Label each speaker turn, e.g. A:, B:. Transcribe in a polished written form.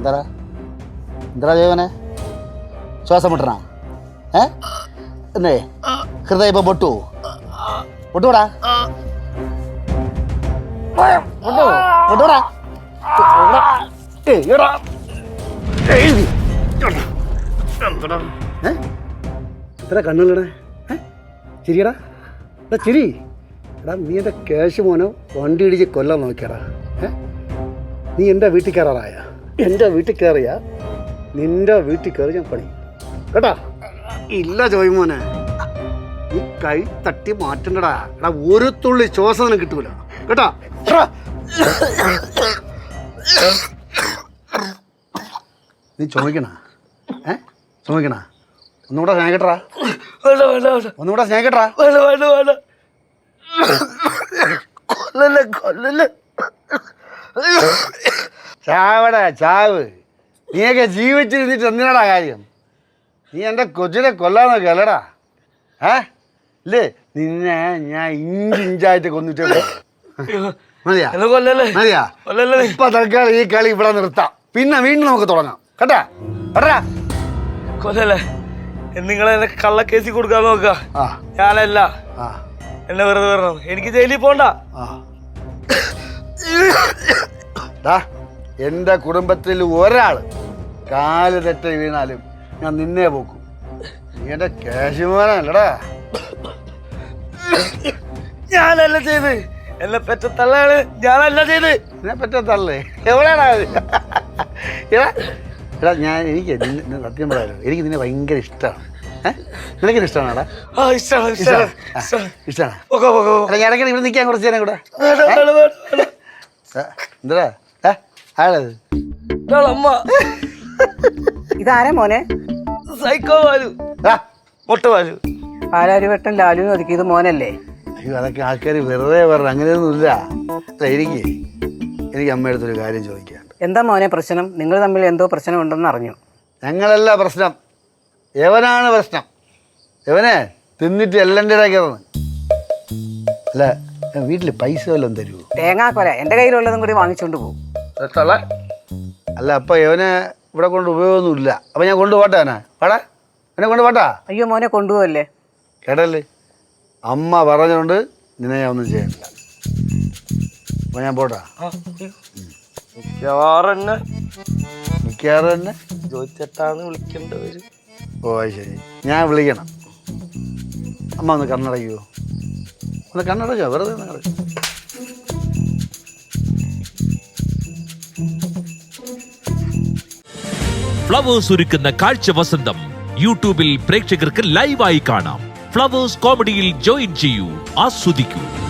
A: എന്താ ജൈവനെ ശ്വാസം മുട്ടണ എന്നേ ഹൃദയം ഇപ്പൊ പൊട്ടൂടാ പൊട്ടൂടാ എത്ര കണ്ണുള്ളടേ ചിരിയടാ ചിരി എടാ നീ എൻ്റെ ക്യാഷ് മോനോ വണ്ടി ഇടിച്ച് കൊല്ലാൻ നോക്കിയടാ നീ എൻ്റെ വീട്ടിൽ കയറാറായ എൻ്റെ വീട്ടിൽ കയറിയ നിൻ്റെ വീട്ടിൽ കയറി ഞാൻ പണി കേട്ടാ ഇല്ല ചോയ്മോനെ നീ കൈ തട്ടി മാറ്റണ്ടടാ എടാ ഒരു തുള്ളി ശ്വാസം നിനക്ക് കിട്ടൂല കേട്ടാ നീ ചുമക്കണ ചുമക്കണ ഒന്നുകൂടെ സ്നേഹിക്കട്ടാ ഒന്നുകൂടെ സ്നേഹിക്കട്ടാ ചാവടാ ചാവ് നീയൊക്കെ ജീവിച്ചിരുന്നിട്ട് എന്തിനാടാ കാര്യം നീ എൻ്റെ കൊച്ചിനെ കൊല്ലാന്നൊക്കെ അല്ലടാ ഇല്ലേ നിന്നെ ഞാൻ ഇഞ്ചായിട്ട് കൊന്നിട്ടേ മതിയാ മതിയാ ഇപ്പൊ തൽക്കാലം ഈ കളി ഇവിടെ നിർത്താം പിന്നെ വീണ്ടും നമുക്ക് തുടങ്ങാം കേട്ടാ കേട്ടാ
B: കൊല്ലല്ലേ നിങ്ങളെ കള്ളക്കേസി കൊടുക്കാൻ നോക്ക ഞാനല്ല എന്നെ വെറുതെ വരണം എനിക്ക് ജയിലിൽ പോണ്ട
A: എന്റെ കുടുംബത്തിൽ ഒരാള് കാല് തെറ്റി വീണാലും ഞാൻ നിന്നെ പോക്കും നീ എന്റെ കാശുമാനല്ലടാ
B: ഞാനല്ല ചെയ്ത് എന്നെ പെറ്റ തള്ളയാണ് ഞാനല്ല ചെയ്ത്
A: എന്നെ പെറ്റ തള്ളേ എവിടെയാടാ എടാ ഞാൻ എനിക്ക് സത്യം പറയാലോ എനിക്ക് നിന്നെ ഭയങ്കര ഇഷ്ടമാണ് നിനക്ക് ഇഷ്ടമാണോടാ ഇഷ്ടമാണ് ഞാൻ ഇടയ്ക്ക് ഇവിടെ നിൽക്കാൻ കുറച്ച് നേരം കൂടെ എന്താ ആളത്
C: ഇതാരാ മോനെ
B: സൈക്കോ വാലു മൊട്ട വാലു
C: പാലാരിവട്ടം ലാലു ഒതുക്കിയത് മോനല്ലേ
A: അയ്യോ അതൊക്കെ ആൾക്കാർ വെറുതെ പറഞ്ഞു അങ്ങനെയൊന്നുമില്ല എനിക്ക് അമ്മയടുത്തൊരു കാര്യം ചോദിക്കാനുണ്ട്
C: എന്താ മോനെ പ്രശ്നം നിങ്ങൾ തമ്മിൽ എന്തോ പ്രശ്നം ഉണ്ടെന്ന് അറിഞ്ഞു
A: ഞങ്ങളല്ല പ്രശ്നം യവനാണ് പ്രശ്നം യവനെ തിന്നിട്ട് എല്ലാം ഇടയ്ക്കിറന്ന് അല്ല വീട്ടിൽ പൈസ വല്ലതും തരുമോ
C: തേങ്ങാക്കൊല എൻ്റെ കയ്യിലുള്ളതും കൂടി വാങ്ങിച്ചോണ്ട് പോകും
A: അല്ല അപ്പം യവനെ ഇവിടെ കൊണ്ട് ഉപയോഗമൊന്നുമില്ല അപ്പം ഞാൻ കൊണ്ടുപോട്ടെ അവനെ പാടാ എന്നെ കൊണ്ടുപോട്ടാ
C: അയ്യോ മോനെ കൊണ്ടുപോകല്ലേ
A: കേട്ടല്ലേ അമ്മ പറഞ്ഞുകൊണ്ട് നിന്നെ ഞാൻ ഒന്നും ചെയ്യണില്ല അപ്പം ഞാൻ പോട്ടാ മിക്കവാറും തന്നെ
B: ജോയിച്ചേട്ടാന്ന് വിളിക്കേണ്ടവര്
A: ഓ ശരി ഞാൻ വിളിക്കണം അമ്മ ഒന്ന് കണ്ണടയ്ക്കുമോ ഒന്ന് കണ്ണടച്ചോ വെറുതെ നിങ്ങൾ
D: ഫ്ലവേഴ്സ് ഒരുക്കുന്ന കാഴ്ച വസന്തം യൂട്യൂബിൽ പ്രേക്ഷകർക്ക് ലൈവായി കാണാം. ഫ്ലവേഴ്സ് കോമഡിയിൽ ജോയിൻ ചെയ്യൂ, ആസ്വദിക്കൂ.